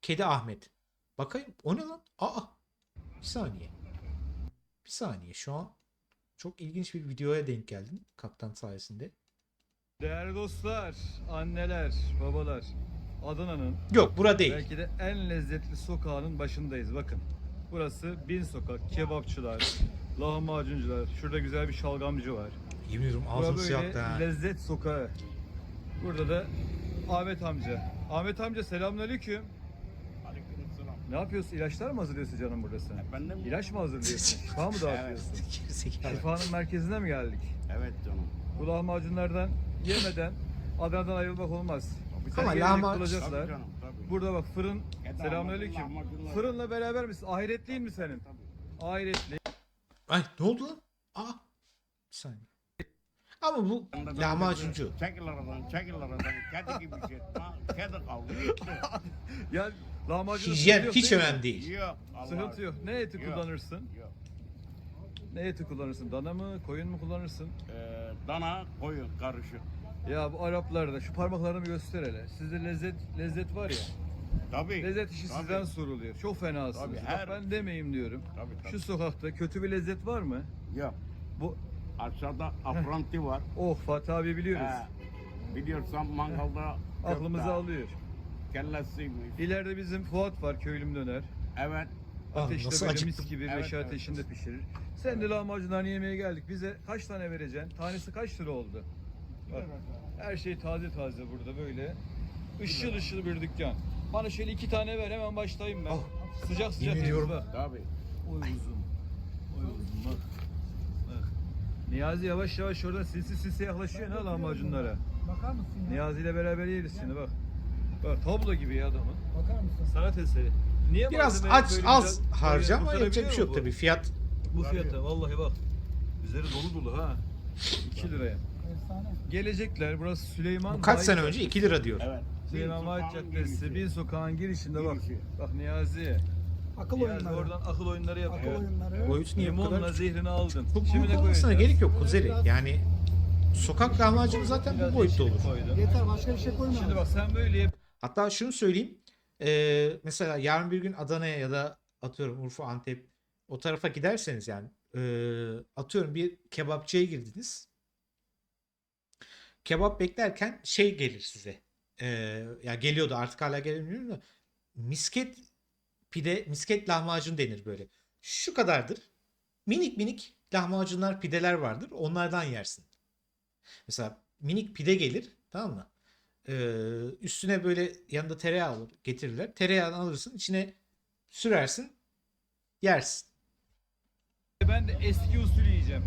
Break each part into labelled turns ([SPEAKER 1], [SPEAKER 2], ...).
[SPEAKER 1] Kedi Ahmet. Bakayım o ne lan? Aa. Bir saniye. Bir saniye şu an çok ilginç bir videoya denk geldim kaptan sayesinde.
[SPEAKER 2] Değerli dostlar, anneler, babalar, Adana'nın
[SPEAKER 1] Yok bura değil.
[SPEAKER 2] belki de en lezzetli sokağının başındayız. Bakın, burası Bin Sokak, kebapçılar, lahmacuncular, şurada güzel bir şalgamcı var.
[SPEAKER 1] Yemin ediyorum
[SPEAKER 2] Bura
[SPEAKER 1] ağzım
[SPEAKER 2] böyle
[SPEAKER 1] sıyaktı ha.
[SPEAKER 2] lezzet sokağı. Burada da Ahmet amca. Ahmet amca selamünaleyküm.
[SPEAKER 3] Aleykümselam.
[SPEAKER 2] Ne yapıyorsun? İlaçlar mı hazırlıyorsun canım burada sen?
[SPEAKER 3] Efendim?
[SPEAKER 2] İlaç mı hazırlıyorsun? Şifa mı dağıtıyorsun?
[SPEAKER 1] Gerizekalı.
[SPEAKER 2] Şifanın merkezine mi geldik?
[SPEAKER 3] Evet canım.
[SPEAKER 2] Bu lahmacunlardan yemeden Adana'dan ayrılmak olmaz. Güzel
[SPEAKER 1] Ama
[SPEAKER 2] gelecek
[SPEAKER 1] lahmacun-
[SPEAKER 2] bulacaklar.
[SPEAKER 3] Tabii canım, tabii.
[SPEAKER 2] Burada bak fırın.
[SPEAKER 3] Eda,
[SPEAKER 2] Selamünaleyküm.
[SPEAKER 3] lahmacunlar.
[SPEAKER 2] Fırınla beraber misin? Ahiretliğin mi senin?
[SPEAKER 3] Tabii.
[SPEAKER 2] Ahiretli.
[SPEAKER 1] Ay ne oldu lan? Aa. Bir saniye. Ama bu lahmacuncu.
[SPEAKER 3] Çekil aradan, çekil aradan. Kedi gibi şey. Ha, kedi kaldı.
[SPEAKER 2] Ya lahmacun
[SPEAKER 1] Hijyen hiç önemli değil.
[SPEAKER 3] Yok. Allah
[SPEAKER 2] Sıkıntı
[SPEAKER 3] aşkına.
[SPEAKER 2] yok. Ne eti
[SPEAKER 3] Yok.
[SPEAKER 2] kullanırsın?
[SPEAKER 3] Yok.
[SPEAKER 2] Ne eti kullanırsın? Dana mı, koyun mu kullanırsın?
[SPEAKER 3] Dana, koyun karışık.
[SPEAKER 2] Ya bu Araplarda şu parmaklarını bir göster hele. Sizde lezzet var ya.
[SPEAKER 3] Tabii.
[SPEAKER 2] Lezzet işi
[SPEAKER 3] Tabii.
[SPEAKER 2] sizden soruluyor. Çok fenasınız.
[SPEAKER 3] Tabii,
[SPEAKER 2] Bak
[SPEAKER 3] her-
[SPEAKER 2] ben demeyeyim diyorum.
[SPEAKER 3] Tabii, tabii.
[SPEAKER 2] Şu sokakta kötü bir lezzet var mı?
[SPEAKER 3] Yok.
[SPEAKER 2] Bu
[SPEAKER 3] Aşağıda apranti var.
[SPEAKER 2] oh Fatih abi biliyoruz.
[SPEAKER 3] Biliyorsan mangalda
[SPEAKER 2] Aklımızı
[SPEAKER 3] köfte,
[SPEAKER 2] alıyor.
[SPEAKER 3] kellesiymiş.
[SPEAKER 2] İleride bizim Fuat var, köylüm döner.
[SPEAKER 3] Evet.
[SPEAKER 2] Ateşte
[SPEAKER 1] nasıl
[SPEAKER 2] böyle
[SPEAKER 1] acıktım.
[SPEAKER 2] mis gibi
[SPEAKER 3] Evet,
[SPEAKER 2] meşe
[SPEAKER 3] evet.
[SPEAKER 2] ateşinde pişirir. Sen de lahmacunlarını yemeye geldik. Bize kaç tane vereceksin? Tanesi kaç lira oldu? Bak, her şey taze taze burada böyle. Işıl ışıl bir dükkan. Bana şöyle 2 tane ver hemen başlayayım ben.
[SPEAKER 1] Oh,
[SPEAKER 2] Sıcak sıcak
[SPEAKER 1] yemin
[SPEAKER 2] yeriz
[SPEAKER 1] ediyorum.
[SPEAKER 2] bak.
[SPEAKER 3] Tabii.
[SPEAKER 2] Oy uzun. Oy uzun bak. Bak. Niyazi yavaş yavaş orada sinsi yaklaşıyor ne lahmacunlara.
[SPEAKER 4] Bakar mısın ya?
[SPEAKER 2] Niyazi ile beraber yeriz şimdi bak. Bak tablo gibi ya adamın.
[SPEAKER 4] Bakar mısın?
[SPEAKER 2] Sanat eseri. Niye
[SPEAKER 1] Biraz
[SPEAKER 2] malzemeyi
[SPEAKER 1] aç
[SPEAKER 2] böyle
[SPEAKER 1] az
[SPEAKER 2] güzel
[SPEAKER 1] harca ama
[SPEAKER 2] kurtarabiliyor
[SPEAKER 1] yapacak bir şey yok
[SPEAKER 2] mu bu?
[SPEAKER 1] tabii. Fiyat
[SPEAKER 2] Bu fiyata vallahi bak. Üzeri dolu dolu ha. 2 liraya.
[SPEAKER 4] Efsane.
[SPEAKER 2] Gelecekler burası Süleyman
[SPEAKER 1] bu kaç
[SPEAKER 2] Vahit-
[SPEAKER 1] sene önce 2 lira diyor.
[SPEAKER 3] Evet.
[SPEAKER 2] Süleyman Vahit
[SPEAKER 3] Sokağın
[SPEAKER 2] Caddesi
[SPEAKER 3] girişi.
[SPEAKER 2] Bin Sokağın girişinde bak.
[SPEAKER 3] Girişi.
[SPEAKER 2] Bak Niyazi.
[SPEAKER 4] Akıl
[SPEAKER 2] Niyazi
[SPEAKER 4] oyunları.
[SPEAKER 2] oradan akıl oyunları
[SPEAKER 4] Akıl
[SPEAKER 2] yapıyor.
[SPEAKER 4] oyunları.
[SPEAKER 1] Boyutu niye bu
[SPEAKER 2] Limonla
[SPEAKER 1] kadar?
[SPEAKER 2] zehrini aldın.
[SPEAKER 1] Bu
[SPEAKER 2] Şimdi ne
[SPEAKER 1] büyük olmasına
[SPEAKER 2] koyacağız?
[SPEAKER 1] gerek yok Kuzeri. Yani sokak lahmacunu zaten
[SPEAKER 2] Biraz
[SPEAKER 1] bu boyutta
[SPEAKER 2] yeşillik
[SPEAKER 1] olur.
[SPEAKER 2] koydum.
[SPEAKER 4] Yeter başka bir şey koyma.
[SPEAKER 2] Şimdi bak sen böyle yap.
[SPEAKER 1] Hatta şunu söyleyeyim. Mesela yarın bir gün Adana'ya ya da atıyorum Urfa, Antep o tarafa giderseniz yani atıyorum bir kebapçıya girdiniz. Kebap beklerken şey gelir size. Ya geliyordu artık hala gelemiyorum da misket pide, misket lahmacun denir böyle. Şu kadardır. Minik minik lahmacunlar, pideler vardır. Onlardan yersin. Mesela minik pide gelir, tamam mı? Üstüne böyle yanında tereyağı olur, getirirler. Tereyağını alırsın, içine sürersin, yersin.
[SPEAKER 2] Ben de eski usul yiyeceğim.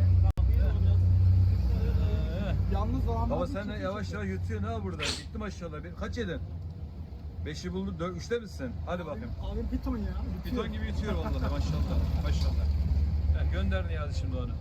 [SPEAKER 4] Yalnız lahmacun
[SPEAKER 2] Baba sen de
[SPEAKER 4] çok
[SPEAKER 2] yavaş
[SPEAKER 4] iyi.
[SPEAKER 2] yavaş yutuyorsun ha burada. Gittim aşağıda. Kaç yedin? 5'i buldun. 3'te misin? Hadi bakayım.
[SPEAKER 4] Abi piton ya.
[SPEAKER 2] Piton gibi yutuyor vallahi maşallah. Maşallah. Gönder Niyazi şimdi onu.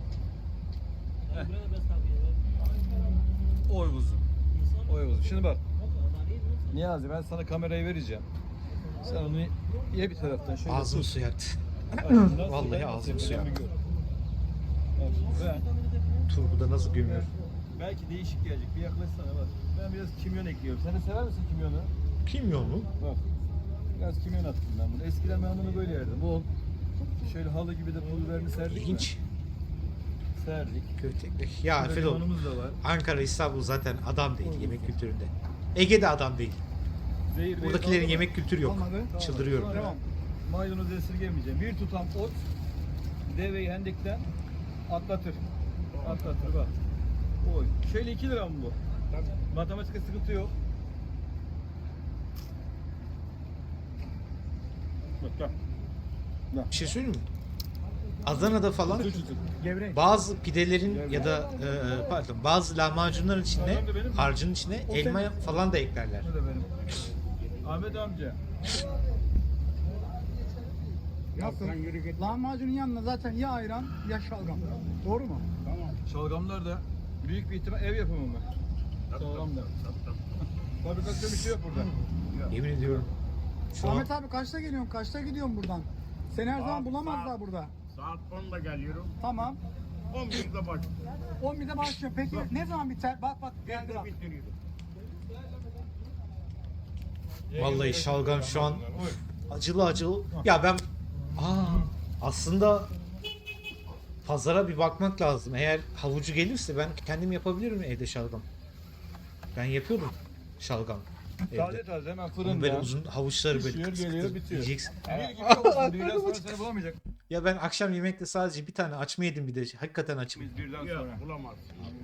[SPEAKER 2] Oy kuzum. Oy kuzum. Şimdi bak. Niyazi ben sana kamerayı vereceğim. Sen onu ye bir taraftan şöyle
[SPEAKER 1] Ağzım
[SPEAKER 2] tut.
[SPEAKER 1] su yaktı.
[SPEAKER 2] Bak şimdi nasıl
[SPEAKER 1] Vallahi
[SPEAKER 2] ben
[SPEAKER 1] ağzım
[SPEAKER 2] nasıl
[SPEAKER 1] suya.
[SPEAKER 2] yapıyorum bir gör. Bak şimdi ben
[SPEAKER 1] Turbuda nasıl gömüyor?
[SPEAKER 2] belki değişik gelecek. Bir yaklaşsana bak. Ben biraz kimyon ekliyorum. Sen de sever misin kimyonu?
[SPEAKER 1] Kimyon mu?
[SPEAKER 2] Bak. Biraz kimyon attım ben bunu. Eskiden ben bunu böyle yerdim. Bol. Şöyle halı gibi de pul biberini serdik.
[SPEAKER 1] İlginç.
[SPEAKER 2] mi? Serdik.
[SPEAKER 1] Köfte. Ya
[SPEAKER 2] Burada
[SPEAKER 1] Fedon,
[SPEAKER 2] limonumuz da var.
[SPEAKER 1] Ankara, İstanbul zaten adam değil yemek kültüründe. Ege'de adam değil.
[SPEAKER 2] Zehir
[SPEAKER 1] Buradakilerin
[SPEAKER 2] beyaz
[SPEAKER 1] yemek kültürü yok.
[SPEAKER 4] Olmadı.
[SPEAKER 2] Tamam.
[SPEAKER 1] Çıldırıyorum.
[SPEAKER 2] Sonra
[SPEAKER 4] Devam.
[SPEAKER 2] Maydanoz esirgemeyeceğim. Bir tutam ot deveyi hendekten atlatır. Atlatır bak. Oy. Şöyle 2 lira mı bu? Matematikte sıkıntı yok. Bak bak.
[SPEAKER 1] Bir şey söyleyeyim mi? Adana'da falan
[SPEAKER 4] Gevrek.
[SPEAKER 1] bazı pidelerin ya da pardon bazı lahmacunların içine,
[SPEAKER 2] Tamam da benim mi?
[SPEAKER 1] harcın içine elma falan da eklerler.
[SPEAKER 2] Bu da benim. Ahmet amca.
[SPEAKER 4] Nasıl?
[SPEAKER 3] Sen yürü git.
[SPEAKER 4] Lahmacunun yanına zaten ya ayran ya şalgam. Doğru mu?
[SPEAKER 3] Tamam.
[SPEAKER 2] Şalgamlar da büyük bir ihtimal ev yapımı mı? Sağlam da. Fabrikasyon bir şey yok burada.
[SPEAKER 1] Yemin ediyorum. Şu an
[SPEAKER 4] Ahmet abi kaçta geliyorsun? Kaçta gidiyorsun buradan? Seni her zaman bulamazlar burada.
[SPEAKER 3] Saat 10'da geliyorum.
[SPEAKER 4] Tamam.
[SPEAKER 3] 11'de başlıyorum.
[SPEAKER 4] 11'de başlıyor. Peki ne zaman biter? Bak geldi
[SPEAKER 3] Ben de
[SPEAKER 4] bak.
[SPEAKER 3] bitiriyorum.
[SPEAKER 1] Vallahi şalgam şu an acılı acılı. Ya ben aslında pazara bir bakmak lazım. Eğer havucu gelirse ben kendim yapabilirim evde şalgam. Ben yapıyorum şalgam
[SPEAKER 2] Taze
[SPEAKER 1] evde.
[SPEAKER 2] taze hemen
[SPEAKER 1] Onun böyle
[SPEAKER 2] fırında.
[SPEAKER 1] uzun havuçları böyle
[SPEAKER 2] Pişiyor,
[SPEAKER 1] kıtır
[SPEAKER 2] geliyor,
[SPEAKER 1] kıtır
[SPEAKER 2] bitiyor.
[SPEAKER 1] yiyeceksin.
[SPEAKER 2] Bir gidiyor olsun. Düğünden sonra seni bulamayacak.
[SPEAKER 1] Ya ben akşam yemekte sadece bir tane açma yedim bir de hakikaten açım.
[SPEAKER 2] Biz birden
[SPEAKER 3] Yok
[SPEAKER 2] sonra.
[SPEAKER 3] bulamazsın abi.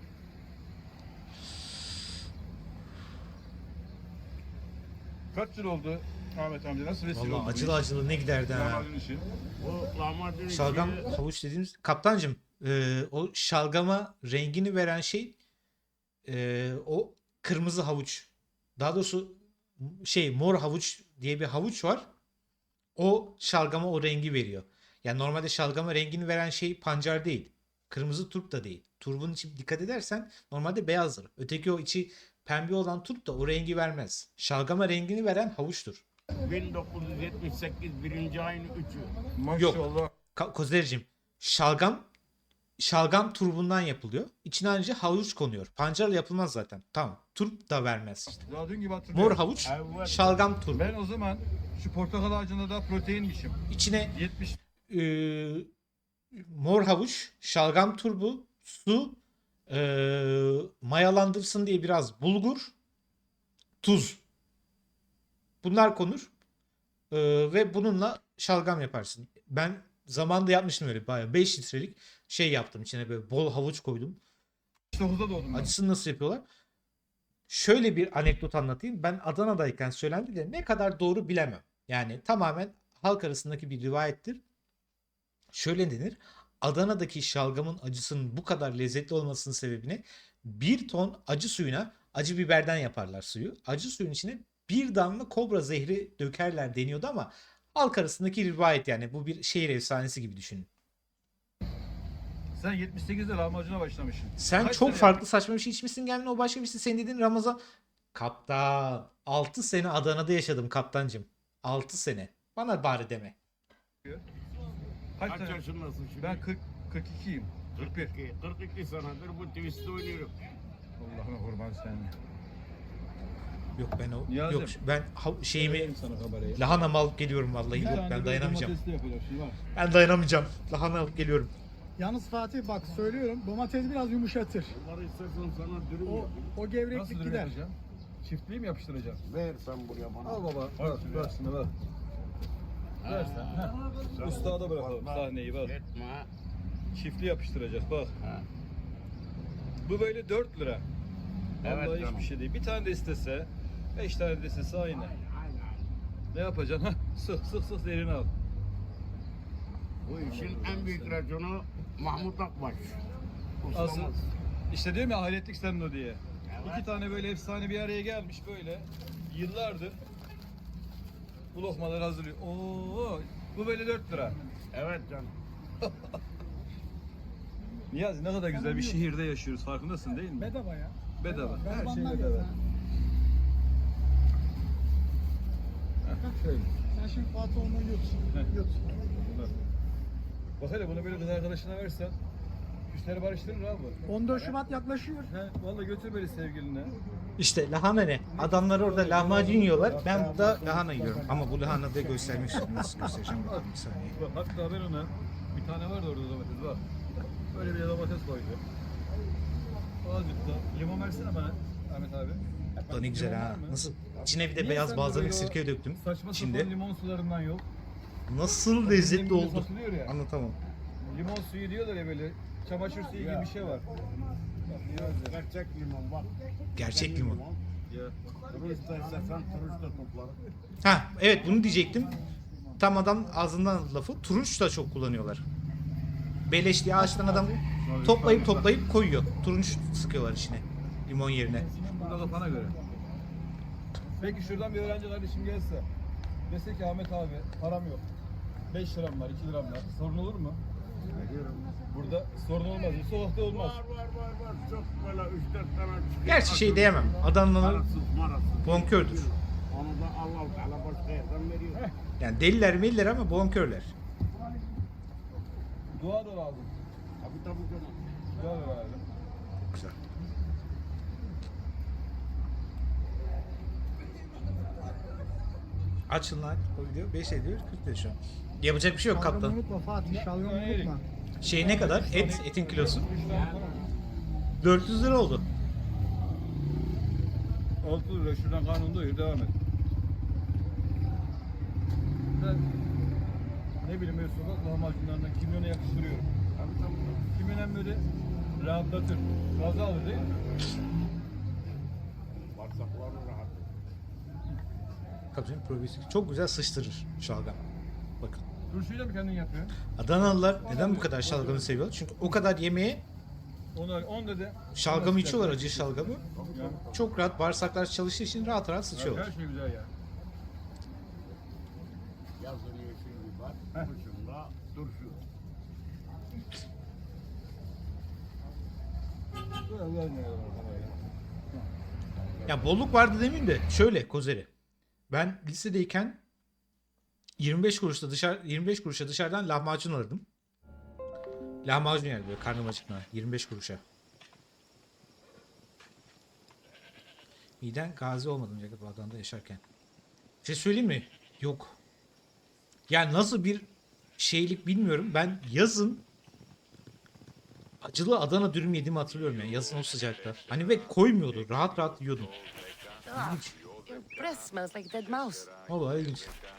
[SPEAKER 2] Kaç yıl oldu Ahmet amca? Nasıl vesile oldu?
[SPEAKER 1] Vallahi acılı acılı ne giderdi ha.
[SPEAKER 2] Lahmacun işi.
[SPEAKER 3] Bu lahmacun
[SPEAKER 1] Şalgam
[SPEAKER 3] işi-
[SPEAKER 1] havuç dediğimiz kaptancım o şalgama rengini veren şey o kırmızı havuç. Daha doğrusu mor havuç diye bir havuç var. O şalgama o rengi veriyor. Yani normalde şalgama rengini veren şey pancar değil. Kırmızı turp da değil. Turbun içi dikkat edersen normalde beyazdır. Öteki o içi pembe olan turp da o rengi vermez. Şalgama rengini veren havuçtur.
[SPEAKER 3] 1978 birinci ayın 3'ü.
[SPEAKER 2] Maşallah.
[SPEAKER 1] Kozericim, şalgam turbundan yapılıyor. İçine ayrıca havuç konuyor. Pancarla yapılmaz zaten. Tamam. Turp da vermez işte.
[SPEAKER 2] Daha dün gibi hatırlıyorum.
[SPEAKER 1] Mor havuç,
[SPEAKER 3] Evet.
[SPEAKER 1] şalgam turbu.
[SPEAKER 2] Ben o zaman şu portakal ağacında da proteinmişim.
[SPEAKER 1] İçine
[SPEAKER 2] 70
[SPEAKER 1] mor havuç, şalgam turbu, su, mayalandırsın diye biraz bulgur, tuz. Bunlar konur. Ve bununla şalgam yaparsın. Ben zamanında yapmıştım öyle bayağı 5 litrelik şey yaptım. İçine böyle bol havuç koydum.
[SPEAKER 2] 9'da doğdum ben.
[SPEAKER 1] Acısını nasıl yapıyorlar? Şöyle bir anekdot anlatayım. Ben Adana'dayken söylendi de ne kadar doğru bilemem. Yani tamamen halk arasındaki bir rivayettir. Şöyle denir. Adana'daki şalgamın acısının bu kadar lezzetli olmasının sebebini bir ton acı suyuna acı biberden yaparlar suyu. Acı suyun içine bir damla kobra zehri dökerler deniyordu ama halk arasındaki rivayet yani bu bir şehir efsanesi gibi düşünün.
[SPEAKER 2] Sen 78'de lahmacuna başlamışsın.
[SPEAKER 1] Sen
[SPEAKER 2] Kaç
[SPEAKER 1] çok
[SPEAKER 2] sene
[SPEAKER 1] farklı saçma bir şey içmişsin gelmin o başka bir şey. Senin dediğin Ramazan. Kaptan 6 sene Adana'da yaşadım kaptancım. 6 sene. Bana bari deme.
[SPEAKER 2] yapıyor?
[SPEAKER 3] Kaç
[SPEAKER 2] Kaç sene?
[SPEAKER 3] yaşındasın şimdi?
[SPEAKER 2] Ben 42'yim. 41.
[SPEAKER 3] 42 senedir bu twist'te oynuyorum.
[SPEAKER 2] Allah'ına kurban sen.
[SPEAKER 1] Yok ben o
[SPEAKER 2] Niyazi'm.
[SPEAKER 1] yok ben şeyimi
[SPEAKER 2] Vereyim sana kamerayı.
[SPEAKER 1] lahana alıp geliyorum vallahi
[SPEAKER 2] Bir
[SPEAKER 1] yok
[SPEAKER 2] tane
[SPEAKER 1] ben
[SPEAKER 2] böyle
[SPEAKER 1] dayanamayacağım.
[SPEAKER 2] domatesli yapacağım şimdi bak.
[SPEAKER 1] Ben dayanamayacağım. Lahana alıp geliyorum.
[SPEAKER 4] Yalnız Fatih bak söylüyorum domates biraz yumuşatır.
[SPEAKER 3] Bunları istersen sana dürüm
[SPEAKER 4] O,
[SPEAKER 3] yapayım.
[SPEAKER 4] o
[SPEAKER 2] Nasıl
[SPEAKER 4] gevreklik
[SPEAKER 2] dürüm
[SPEAKER 4] gider.
[SPEAKER 2] yapacağım? Çiftliği mi yapıştıracağım?
[SPEAKER 3] Ver sen buraya bana.
[SPEAKER 2] Al baba. Bak şimdi bak. Ver sen. Heh. Ustada bırakalım sahneyi bak.
[SPEAKER 3] Etme.
[SPEAKER 2] Çiftli yapıştıracağız bak.
[SPEAKER 3] Ha.
[SPEAKER 2] Bu böyle 4 lira.
[SPEAKER 3] Evet
[SPEAKER 2] Vallahi
[SPEAKER 3] canım.
[SPEAKER 2] hiçbir şey değil. Bir tane de istese, 5 tane de istese aynı. Ne yapacaksın? Hah, sık sık elini al.
[SPEAKER 3] Bu işin en büyük raconu Mahmut Akbaş.
[SPEAKER 2] Asıl
[SPEAKER 3] Ustamız.
[SPEAKER 2] işte diyorum ya ahiretlik senin o diye. İki tane böyle efsane bir araya gelmiş böyle. Yıllardır bu lokmaları hazırlıyor. Oo, bu böyle 4 lira.
[SPEAKER 3] Evet canım.
[SPEAKER 2] Niyazi ne kadar güzel bir şehirde yaşıyoruz. Farkındasın değil mi?
[SPEAKER 4] Bedava ya.
[SPEAKER 2] Bedava. Her şey
[SPEAKER 4] Garibanlar
[SPEAKER 2] bedava.
[SPEAKER 4] ya.
[SPEAKER 2] Heh, şöyle.
[SPEAKER 4] Sen şimdi Fatih onu yut.
[SPEAKER 2] Heh.
[SPEAKER 4] Yut.
[SPEAKER 2] Bak. Bak hele bunu böyle kız arkadaşına versen küsleri barıştırır abi.
[SPEAKER 4] 14 Şubat yaklaşıyor.
[SPEAKER 2] He, vallahi götür böyle sevgiline.
[SPEAKER 1] İşte lahana ne? Adamlar orada lahmacun yiyorlar. Ben burada lahana yiyorum. Ama bu lahana da göstermek istiyorum. Nasıl göstereceğim bakalım bir saniye.
[SPEAKER 2] Bak, hatta ben ona bir tane vardı orada domates bak. Böyle bir domates koydu. Azıcık da limon versene bana Ahmet abi.
[SPEAKER 1] Bu da ne güzel
[SPEAKER 2] Limon
[SPEAKER 1] ha.
[SPEAKER 2] var mı?
[SPEAKER 1] Nasıl? İçine bir de
[SPEAKER 2] Niye
[SPEAKER 1] beyaz
[SPEAKER 2] sen de
[SPEAKER 1] balzamik
[SPEAKER 2] böyle o
[SPEAKER 1] sirke döktüm.
[SPEAKER 2] Saçma
[SPEAKER 1] Şimdi
[SPEAKER 2] sapan limon sularından yok.
[SPEAKER 1] nasıl lezzetli
[SPEAKER 2] Bizim gibi
[SPEAKER 1] oldu.
[SPEAKER 2] satılıyor ya.
[SPEAKER 1] Anlatamam.
[SPEAKER 2] Limon suyu diyorlar ya böyle. Çamaşır suyu gibi bir şey var. Bak Niyazi.
[SPEAKER 3] Gerçek limon bak.
[SPEAKER 1] Gerçek
[SPEAKER 3] Kendi
[SPEAKER 1] limon.
[SPEAKER 2] Ya.
[SPEAKER 3] Turist da istersen turist da toplar.
[SPEAKER 1] Ha evet bunu diyecektim. Tam adam ağzından lafı. Turunç da çok kullanıyorlar. Beleş diye ağaçtan adam toplayıp koyuyor. Turunç sıkıyorlar içine. Limon yerine.
[SPEAKER 2] Burada kafana göre. Peki şuradan bir öğrenci kardeşim gelse. Dese ki Ahmet abi param yok. 5 liram var, 2 liram var. Sorun olur mu? Burada sorun olmaz. Bu sokakta olmaz.
[SPEAKER 3] Var. Çok böyle 3-4 tane çıkıyor.
[SPEAKER 1] Gerçi şey diyemem. Adamlar
[SPEAKER 3] Marasız.
[SPEAKER 1] bonkördür.
[SPEAKER 3] Onu da Allah Teala başka yerden veriyor.
[SPEAKER 1] Yani deliler meliler ama bonkörler.
[SPEAKER 2] Dua da lazım.
[SPEAKER 3] Tabii canım.
[SPEAKER 2] Dua da lazım.
[SPEAKER 1] Güzel. Açın lan o video 5 ediyor 40 lira şu an. Yapacak bir şey yok
[SPEAKER 4] Şalgamı
[SPEAKER 1] kaptan.
[SPEAKER 4] unutma Fatih. Şalgamı unutma.
[SPEAKER 1] Şey ne kadar? Etin kilosu. 400 lira oldu.
[SPEAKER 2] 6 lira şuradan karnını doyur devam et. Ben ne bileyim böyle sokak lahmacunlarından kimyona yakıştırıyorum. Kimyon hem böyle rahatlatır. Gazı alır değil mi?
[SPEAKER 3] Bağırsakları rahat.
[SPEAKER 1] Tabii canım, probiyotik. Çok güzel sıçtırır şalgam. Bakın.
[SPEAKER 2] Turşuyu da mı kendin yapıyorsun?
[SPEAKER 1] Adanalılar neden bu kadar şalgamı seviyor? Çünkü o kadar yemeğe
[SPEAKER 2] Onda da
[SPEAKER 1] şalgamı içiyorlar, acı şalgamı.
[SPEAKER 2] Ya,
[SPEAKER 1] Çok rahat, bağırsaklar çalıştığı için rahat rahat sıçıyorlar.
[SPEAKER 2] her şey güzel ya.
[SPEAKER 3] Yazın yeşil biber, kışın da turşu.
[SPEAKER 1] Ya bolluk vardı demeyeyim de şöyle Kozeri. Ben lisedeyken 25 kuruşa dışarıdan lahmacun alırdım. Lahmacun yani böyle karnım acıkma 25 kuruşa. Miden gazi olmadım ya bu adamda yaşarken. Bir şey söyleyeyim mi? Yok. Yani nasıl bir şeylik bilmiyorum. Ben yazın acılı Adana dürüm yediğimi hatırlıyorum yani yazın o sıcakta. Hani ve koymuyordu. Rahat rahat yiyordum.
[SPEAKER 5] Your breath smells like a dead mouse.
[SPEAKER 1] Vallahi ilginç.